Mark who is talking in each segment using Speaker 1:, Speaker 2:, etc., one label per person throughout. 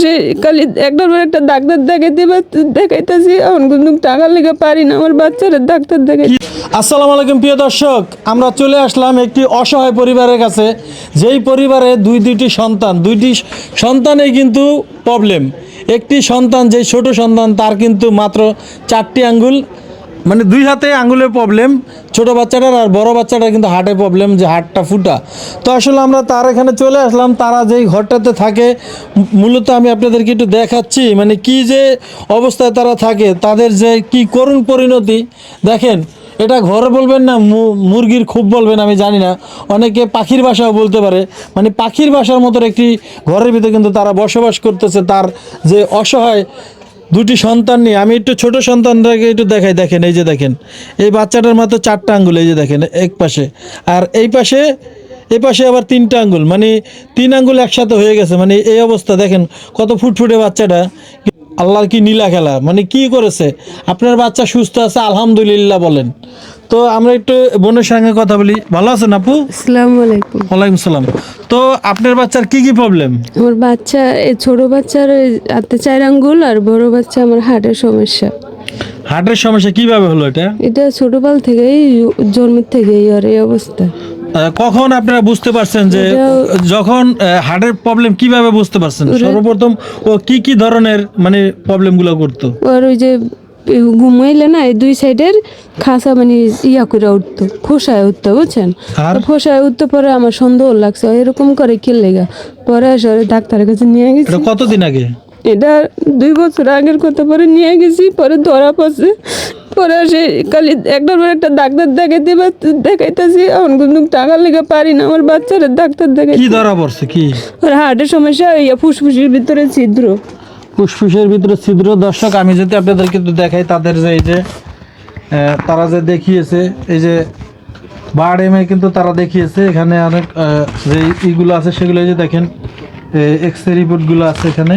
Speaker 1: খালি একটার পর একটা ডাক্তার দেখাইতেছি, এখন কিন্তু টাকা লেগে পারি না আমার বাচ্চারা ডাক্তার দেখাই।
Speaker 2: আসসালামু আলাইকুম প্রিয় দর্শক, আমরা চলে আসলাম একটি অসহায় পরিবারের কাছে, যেই পরিবারে দুইটি সন্তানেই কিন্তু প্রবলেম। একটি সন্তান, যেই ছোট সন্তান, তার কিন্তু মাত্র 4টি আঙ্গুল, মানে 2 হাতে আঙ্গুলের প্রবলেম ছোট বাচ্চাটার, আর বড় বাচ্চাটার কিন্তু হার্টের প্রবলেম, যে হার্টটা ফুটা। তো আসলে আমরা তার এখানে চলে আসলাম, তারা যেই ঘরটাতে থাকে, মূলত আমি আপনাদেরকে একটু দেখাচ্ছি মানে কি যে অবস্থায় তারা থাকে, তাদের যে কি করুণ পরিণতি দেখেন। এটা ঘর বলবেন না মুরগির খুব বলবেন আমি জানি না, অনেকে পাখির বাসাও বলতে পারে, মানে পাখির বাসার মতো একটি ঘরের ভিতরে কিন্তু তারা বসবাস করতেছে। তার যে অসহায় 2টি সন্তান নিয়ে, আমি একটু ছোট সন্তানটাকে একটু দেখাই। দেখেন, এই যে দেখেন, এই বাচ্চাটার মাত্র 4টা আঙ্গুল, এই যে দেখেন এক পাশে, আর এই পাশে আবার 3টা আঙ্গুল, মানে 3 আঙ্গুল একসাথে হয়ে গেছে। মানে এই অবস্থা দেখেন, কত ফুটফুটে বাচ্চাটা। আল্লাহর কি নীলা খেলা, মানে কি করেছে। আপনার বাচ্চা সুস্থ আছে আলহামদুলিল্লাহ বলেন। তো আমরা একটু বোনের সঙ্গে কথা বলি। ভালো আছেন আপু?
Speaker 1: আসসালামু আলাইকুম।
Speaker 2: ওয়ালাইকুম সালাম। তো আপনার বাচ্চার কি কি প্রবলেম?
Speaker 1: আমার বাচ্চা, এই ছোট বাচ্চার হাতে 4 আঙ্গুল, আর বড় বাচ্চা আমার হার্টের সমস্যা।
Speaker 2: হার্টের সমস্যা কিভাবে হলো এটা?
Speaker 1: এটা ছোটকাল থেকেই, জন্মের থেকেই আর এই অবস্থা।
Speaker 2: কখন আপনারা বুঝতে পারছেন যে যখন হার্টের প্রবলেম কিভাবে বুঝতে পারছেন? সর্বপ্রথম ও কি কি ধরনের মানে প্রবলেমগুলো করতো?
Speaker 1: আর ওই যে ঘুমাইলে না, এই 2 সাইডের খাসা মানে করে উঠতো, ফোসায় উঠতো, বুঝছেন?
Speaker 2: আর
Speaker 1: ফোসায় উঠতে পরে আমার সন্দেহ লাগছে এরকম করে কি লেগা। পরে আসলে ডাক্তারের কাছে নিয়ে গেছি।
Speaker 2: এটা কতদিন আগে?
Speaker 1: এটা 2 বছর আগের কথা। পরে নিয়ে গেছি, পরে ধরা পড়ছে। পরে সে খালি একটার পর একটা ডাক্তার দেখাইতেছি, এখন কিন্তু টাকা লেগে পারি না আমার বাচ্চারা ডাক্তার দেখাই।
Speaker 2: কি ধরা পড়ছে? কি?
Speaker 1: আর হার্টের সমস্যা, ফুসফুসের ভিতরে ছিদ্র।
Speaker 2: ফুসফুসের ভিতরে ছিদ্র। দর্শক, আমি যদি আপনাদেরকে একটু দেখাই, তাদের যে এই যে তারা যে দেখিয়েছে, এই যে বার্ড এমে কিন্তু তারা দেখিয়েছে, এখানে অনেক যে ইগুলো আছে সেগুলো এই যে দেখেন, এক্সরে রিপোর্টগুলো আছে এখানে।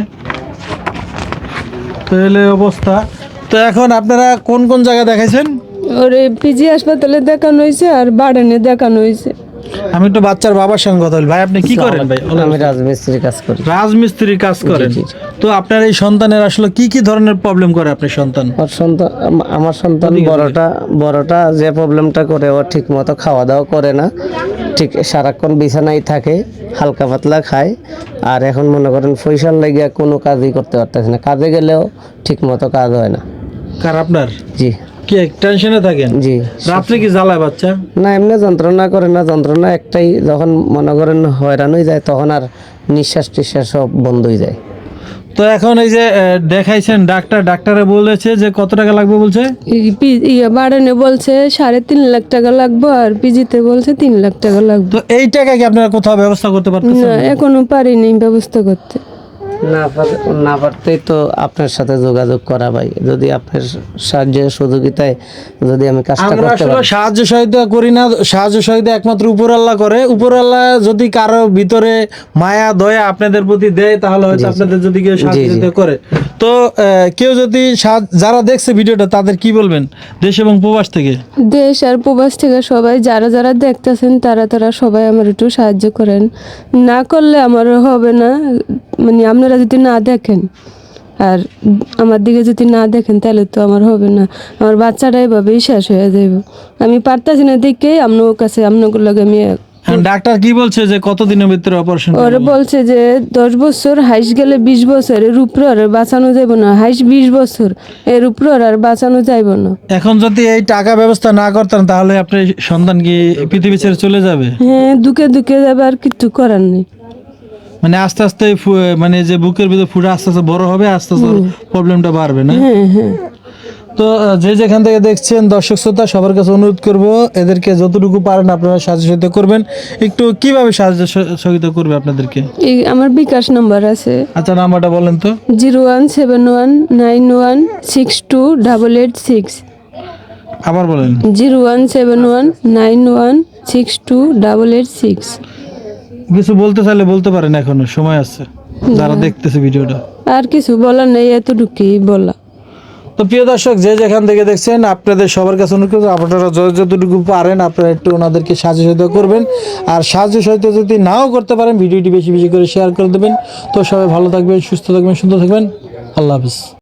Speaker 2: তো এলে অবস্থা। তো এখন আপনারা কোন কোন জায়গায় দেখাইছেন?
Speaker 1: ওরে পিজি হাসপাতালে দেখানো হয়েছে, আর বাড়ানে দেখানো হয়েছে।
Speaker 2: আমি একটু বাচ্চার বাবার সঙ্গে কথা বলি। ভাই, আপনি কি করেন? ভাই,
Speaker 3: আমি রাজমিস্ত্রির কাজ করি।
Speaker 2: রাজমিস্ত্রির কাজ করেন? তো আপনার এই সন্তানের আসলে কি কি ধরনের প্রবলেম করে আপনার সন্তান?
Speaker 3: আমার সন্তান বড়টা যে প্রবলেমটা করে, ও ঠিক মতো খাওয়া দাওয়া করে না, ঠিক সারাক্ষণ বিছানায় থাকে, হালকা পাতলা খায়। আর এখন মনে করেন পয়সার লেগে কোনো কাজই করতে পারতেছে না, কাজে গেলেও ঠিক মতো কাজ হয় না।
Speaker 2: কার? আপনার?
Speaker 3: জি।
Speaker 2: কি টেনশনে থাকেন?
Speaker 3: জি।
Speaker 2: রাত্রে কি জ্বালায় বাচ্চা?
Speaker 3: না, এমনি যন্ত্রণা করে না, যন্ত্রণা একটাই, যখন মনে করেন হয়রান হয়ে যায় তখন আর নিঃশ্বাস টিশ্বাস সব বন্ধ হয়ে যায়।
Speaker 2: তো এখন এই যে দেখাইছেন ডাক্তারে বলেছে যে কত টাকা লাগবে বলছে?
Speaker 1: বাড়ানে বলছে 3.5 লাখ টাকা লাগবে, আর পিজিতে বলছে 3 লাখ টাকা লাগবে।
Speaker 2: তো এই টাকা কি আপনারা কোথাও ব্যবস্থা করতে পারতেছেন?
Speaker 1: না, এখনো পারিনি ব্যবস্থা করতে।
Speaker 3: না পারতেই তো আপনার সাথে যোগাযোগ করা ভাই, যদি আপনার সাহায্য সহযোগিতায় যদি আমি কাজটা
Speaker 2: আমরা
Speaker 3: করতে
Speaker 2: আসলে
Speaker 3: পারি।
Speaker 2: সাহায্য সহায়তা করি না, সাহায্য সহায়তা একমাত্র উপর আল্লাহ করে। উপর আল্লাহ যদি কারো ভিতরে মায়া দয়া আপনাদের প্রতি দেয়, তাহলে হয়তো আপনাদের যদি কেউ সাহায্য করে। তো কেউ যদি যারা দেখছে ভিডিওটা, তাদের কি বলবেন দেশ এবং প্রবাস থেকে?
Speaker 1: দেশ আর প্রবাস থেকে সবাই যারা দেখতেছেন, তারা সবাই আমার একটু সাহায্য করেন। না করলে আমার হবে না, মানে আপনারা যদি না দেখেন আর আমার দিকে যদি না দেখেন, তাহলে তো আমার হবে না। আমার বাচ্চাটা এভাবেই শেষ হয়ে যাবে। আমি পারতাছি না দেখে আপনার কাছে, আপনার লাগে আমি।
Speaker 2: ডাক্তার কি বলছে যে কতদিনের ভিতরে অপারেশন?
Speaker 1: ওরা বলছে যে 10 বছর, হাইস গেলে 20 বছর, এর উপরে আর বাঁচানো যাব না। হাইস 20 বছর, এর উপরে আর বাঁচানো যাইব না।
Speaker 2: এখন যদি এই টাকা ব্যবস্থা না করতেন, তাহলে আপনার সন্তান কি পৃথিবী ছেড়ে চলে যাবে?
Speaker 1: হ্যাঁ, দুঃখে যাবে, আর কিছু করার নেই।
Speaker 2: মানে আস্তে আস্তে মানে যে বুকের ভিতরে ফুটা আস্তে আস্তে বড় হবে, আস্তে আস্তে প্রবলেমটা বাড়বে না?
Speaker 1: হ্যাঁ।
Speaker 2: তো যে যেখান থেকে দেখছেন দর্শক শ্রোতা, সবার কাছে অনুরোধ করব, এদেরকে যতটুকু পারেন আপনারা সাহায্য সহযোগিতা করবেন। একটু কিভাবে সাহায্য সহযোগিতা করবে আপনাদেরকে?
Speaker 1: এই আমার বিকাশ নাম্বার আছে।
Speaker 2: আচ্ছা, নাম্বারটা বলেন তো।
Speaker 1: 017191628886।
Speaker 2: আবার বলেন।
Speaker 1: 017191628886।
Speaker 2: কিছু বলতে চাইলে বলতে পারেন, এখনো সময় আছে যারা দেখতেছে ভিডিওটা।
Speaker 1: আর কিছু বলার নেই, এতটুকুই বলা।
Speaker 2: তো প্রিয় দর্শক, যে যেখান থেকে দেখছেন, আপনাদের সবার কাছে অনুরোধ করব, আপনারা যতটুকু পারেন আপনারা একটু ওনাদেরকে সাহায্য সহায়তা করবেন। আর সাহায্য সহায়তা যদি নাও করতে পারেন, ভিডিওটি বেশি বেশি করে শেয়ার করে দেবেন। তো সবাই ভালো থাকবেন, সুস্থ থাকবেন, সুন্দর থাকবেন। আল্লাহ হাফিজ।